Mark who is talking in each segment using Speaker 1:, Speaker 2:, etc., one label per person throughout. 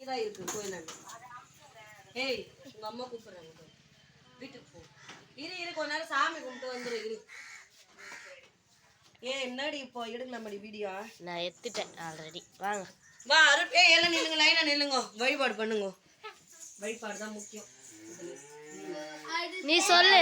Speaker 1: இதான் இருக்கு கோயிலாண்ட. ஏய் உங்க அம்மா கூப்பிடுறாங்க, வீட்டுக்கு போ. இரு கொஞ்ச நேரம் சாமி கும்பிட்டு வந்துரு. இரு என்னடி இப்போ எடுக்கலாமடி வீடியோ?
Speaker 2: நான் எடுத்துட்டேன் ஆல்ரெடி. வாங்க
Speaker 1: வா அருள். எல்லாம் நில்லுங்க, லைனா நில்லுங்க, வழிபாடு பண்ணுங்க. வழிபாடு தான் முக்கியம்.
Speaker 2: நீ சொல்லு.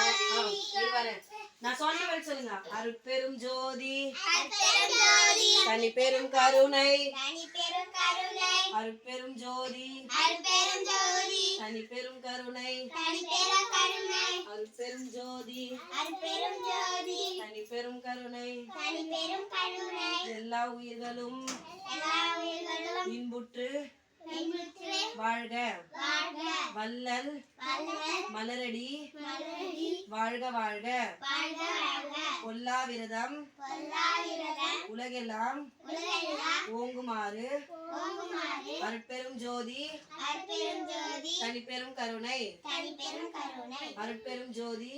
Speaker 1: நான் சொன்ன வரைக்கும் சொல்லுங்க. அருட்பெரும் ஜோதி தனி பெரும் கருணை, அருட்பெரும் ஜோதி தனி பெரும் கருணை, அருட்பெரும் ஜோதி தனி பெரும் கருணை, எல்லா உயிர்களும் இன்புற்று வாழ்க வள்ளல் மலரடி வாழ்க வாழ்க. பொல்லா விரதம் உலகெல்லாம் ஓங்குமாறு அருட்பெரும் ஜோதி தனிப்பெரும் கருணை, அருட்பெரும் ஜோதி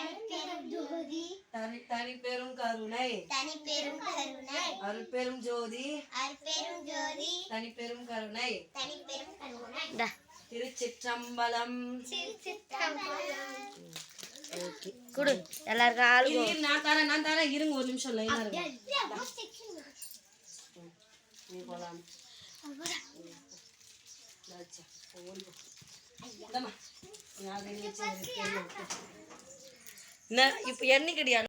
Speaker 1: தனிப்பெரும் கருணை, அருட்பெரும் ஜோதி தனிப்பெரும் கருணை. திருச்சிற்றம்பலம்.
Speaker 2: குடு எல்லாருக்கும் ஆளு.
Speaker 1: நான் தரேன் இருங்க ஒரு நிமிஷம் லைனா இருங்க. நீ போலாம். இப்ப என்னைக்கு